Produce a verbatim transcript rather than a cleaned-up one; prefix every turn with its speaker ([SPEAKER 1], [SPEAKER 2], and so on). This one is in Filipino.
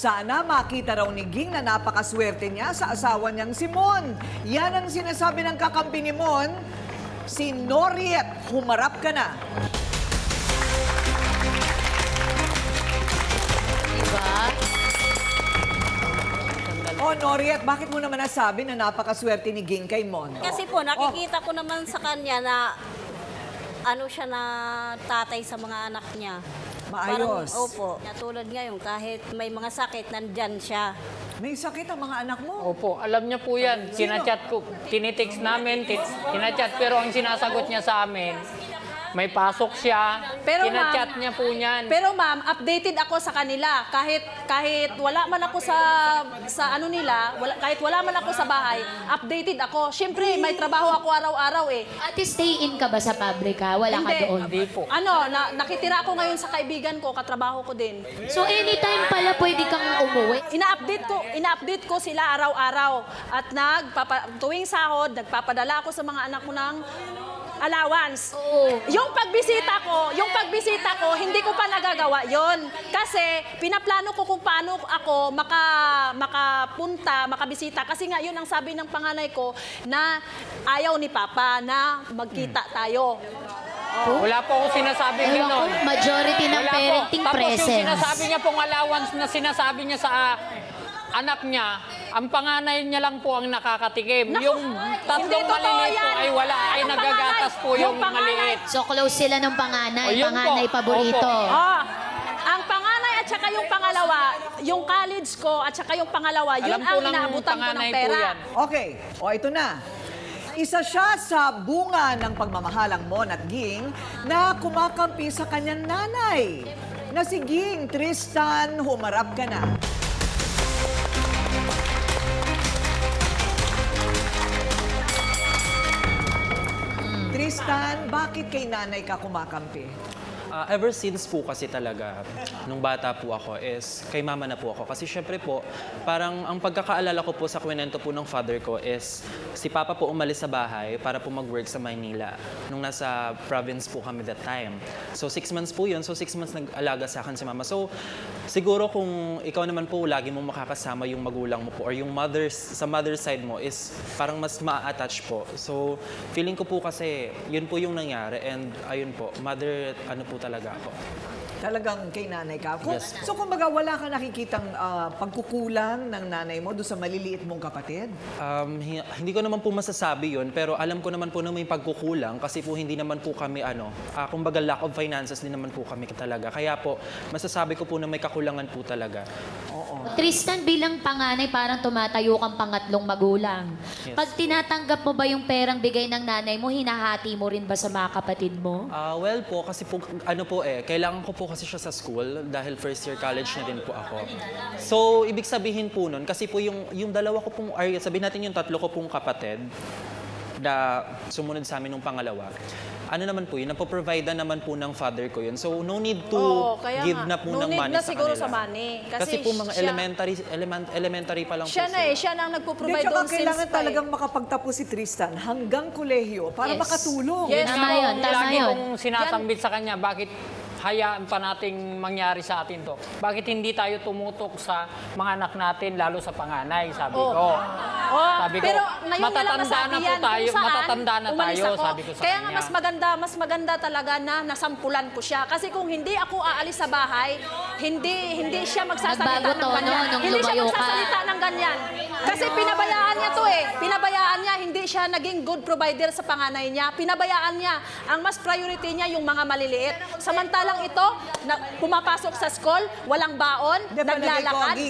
[SPEAKER 1] Sana makita raw ni Ging na napakaswerte niya sa asawa niyang si Mon. Yan ang sinasabi ng kakampi ni Mon, si Noriet. Humarap ka na.
[SPEAKER 2] Diba?
[SPEAKER 1] Oh, Noriet, bakit mo naman nasabi na napakaswerte ni Ging kay Mon?
[SPEAKER 2] Kasi po, nakikita ko naman sa kanya na ano siya na tatay sa mga anak niya.
[SPEAKER 1] Maayos.
[SPEAKER 2] Parang, opo. Tulad ngayon, kahit may mga sakit, nandyan siya.
[SPEAKER 1] May sakit ang mga anak mo.
[SPEAKER 3] Opo, alam niya po yan. Sinachat ko, tinitext namin, tit- tinachat, pero ang sinasagot niya sa amin, may pasok siya,
[SPEAKER 4] Pero,
[SPEAKER 3] tinachat
[SPEAKER 4] ma'am,
[SPEAKER 3] niya po niyan.
[SPEAKER 4] Pero ma'am, updated ako sa kanila. Kahit kahit wala man ako sa sa ano nila, wala, kahit wala man ako sa bahay, updated ako. Siyempre, may trabaho ako araw-araw eh.
[SPEAKER 5] Ate, stay in ka ba sa pabrika? Wala ka doon?
[SPEAKER 3] Hindi po.
[SPEAKER 4] Ano, na, nakitira ako ngayon sa kaibigan ko, katrabaho ko din.
[SPEAKER 5] So anytime pala pwede kang umuwi?
[SPEAKER 4] Ina-update ko, ina-update ko sila araw-araw. At nagpapa, tuwing sahod, nagpapadala ako sa mga anak mo ng allowance.
[SPEAKER 5] Oo.
[SPEAKER 4] Yung pagbisita ko, yung pagbisita ko, hindi ko pa nagagawa yon. Kasi pinaplano ko kung paano ako maka, makapunta, makabisita. Kasi nga yun ang sabi ng panganay ko na ayaw ni Papa na magkita tayo.
[SPEAKER 3] Wala po ako sinasabing
[SPEAKER 5] Ewan ko,
[SPEAKER 3] gano'n.
[SPEAKER 5] majority ng
[SPEAKER 3] Wala po.
[SPEAKER 5] parenting
[SPEAKER 3] Tapos yung
[SPEAKER 5] presence.
[SPEAKER 3] sinasabi niya pong allowance na sinasabi niya sa ah, anak niya, ang panganay niya lang po ang nakakatikim.
[SPEAKER 4] Naku,
[SPEAKER 3] Yung tatlong
[SPEAKER 4] hindi totoo
[SPEAKER 3] maliliit po
[SPEAKER 4] yan.
[SPEAKER 3] ay wala, ay
[SPEAKER 4] Yung
[SPEAKER 3] nagagatas po
[SPEAKER 4] panganay,
[SPEAKER 3] yung,
[SPEAKER 4] yung panganay.
[SPEAKER 3] maliit.
[SPEAKER 5] So close sila ng panganay,
[SPEAKER 3] O, yun po.
[SPEAKER 5] panganay paborito.
[SPEAKER 3] Opo.
[SPEAKER 4] Ah, ang panganay at saka yung pangalawa, yung college ko at saka yung pangalawa, yun
[SPEAKER 3] Alam po
[SPEAKER 4] ang
[SPEAKER 3] ng
[SPEAKER 4] inaabutan ko ng
[SPEAKER 3] panganay po
[SPEAKER 4] pera.
[SPEAKER 3] yan.
[SPEAKER 1] Okay, o ito na. Isa siya sa bunga ng pagmamahalang Mon at Ging na kumakampi sa kanyang nanay. Na si Ging, Tristan, humarap ka na. Tristan, bakit kay nanay ka kumakampi?
[SPEAKER 6] Ah, ever since po kasi talaga, nung bata po ako is, kay mama na po ako. Kasi syempre po, parang ang pagkakaalala ko po sa kwento po ng father ko is, si Papa po umalis sa bahay para po mag-work sa Maynila. Nung nasa province po kami that time. So six months po yun, so six months nag-alaga sa akin si mama. So siguro kung ikaw naman po, lagi mo makakasama yung magulang mo po or yung mother's, sa mother's side mo is parang mas ma-attach po. So feeling ko po kasi, yun po yung nangyari and ayun po, mother, ano po talaga ako.
[SPEAKER 1] Talagang kay nanay ka? Kung,
[SPEAKER 6] Yes po.
[SPEAKER 1] So kumbaga wala ka nakikitang ah, pagkukulang ng nanay mo doon sa maliliit mong kapatid?
[SPEAKER 6] Um, hi- hindi ko naman po masasabi yun, pero alam ko naman po na may pagkukulang kasi po hindi naman po kami, ano, ah, kumbaga lack of finances din naman po kami talaga. Kaya po, masasabi ko po na may kakulangan po talaga.
[SPEAKER 5] Tristan, bilang panganay, parang tumatayo kang pangatlong magulang.
[SPEAKER 6] Yes.
[SPEAKER 5] Pag tinatanggap mo ba yung perang bigay ng nanay mo, hinahati mo rin ba sa mga kapatid mo?
[SPEAKER 6] Ah, well po, kasi po, ano po eh, kailangan ko po kasi siya sa school dahil first year college na din po ako. So, ibig sabihin po nun, kasi po yung, yung dalawa ko pong, ay, sabihin natin yung tatlo ko pong kapatid na sumunod sa amin nung pangalawa, ano naman po yun, napoprovide na naman po ng father ko yun. So, no need to
[SPEAKER 4] Oo, kaya
[SPEAKER 6] give
[SPEAKER 4] nga.
[SPEAKER 6] na po
[SPEAKER 4] No
[SPEAKER 6] ng
[SPEAKER 4] need
[SPEAKER 6] money
[SPEAKER 4] na
[SPEAKER 6] sa
[SPEAKER 4] siguro
[SPEAKER 6] kanila.
[SPEAKER 4] sa money. Kasi
[SPEAKER 6] Kasi, po mga
[SPEAKER 4] siya-
[SPEAKER 6] elementary, element, elementary pa lang
[SPEAKER 4] Siya
[SPEAKER 6] po
[SPEAKER 4] na
[SPEAKER 6] sila.
[SPEAKER 4] eh, siya na ang
[SPEAKER 1] Hindi,
[SPEAKER 4] nagpo-provide
[SPEAKER 1] tsaka
[SPEAKER 4] doon since
[SPEAKER 1] kailangan
[SPEAKER 4] pa eh.
[SPEAKER 1] talagang makapagtapos si Tristan hanggang kolehiyo para
[SPEAKER 5] Yes.
[SPEAKER 1] makatulong.
[SPEAKER 4] Yes.
[SPEAKER 5] Tama
[SPEAKER 3] Ako,
[SPEAKER 5] yun, tama
[SPEAKER 3] lagi
[SPEAKER 5] yun.
[SPEAKER 3] kong sinasambit sa kanya, bakit hayaan pa nating mangyari sa atin to? Bakit hindi tayo tumutok sa mga anak natin, lalo sa panganay, sabi
[SPEAKER 4] Oh.
[SPEAKER 3] ko.
[SPEAKER 4] Oh,
[SPEAKER 3] Sabi ko,
[SPEAKER 4] pero ngayon niya lang
[SPEAKER 3] matatanda
[SPEAKER 4] nasabi
[SPEAKER 3] na po
[SPEAKER 4] yan kung
[SPEAKER 3] tayo,
[SPEAKER 4] saan
[SPEAKER 3] matatanda na
[SPEAKER 4] umalis
[SPEAKER 3] tayo,
[SPEAKER 4] ako.
[SPEAKER 3] sabi ko sa
[SPEAKER 4] Kaya nga
[SPEAKER 3] kanya.
[SPEAKER 4] mas maganda, mas maganda talaga na nasampulan ko siya. Kasi kung hindi ako aalis sa bahay, hindi hindi siya magsasalita
[SPEAKER 5] Nagbago
[SPEAKER 4] ng
[SPEAKER 5] tono
[SPEAKER 4] ganyan.
[SPEAKER 5] nung
[SPEAKER 4] Hindi siya
[SPEAKER 5] lumayo ka.
[SPEAKER 4] magsasalita ng ganyan. Kasi pinabayaan niya to eh. Pinabayaan niya, hindi siya naging good provider sa panganay niya. Pinabayaan niya. Ang mas priority niya yung mga maliliit. Samantalang ito, na, pumapasok sa school, walang baon,
[SPEAKER 1] Hindi, palagay ko,
[SPEAKER 4] naglalakad.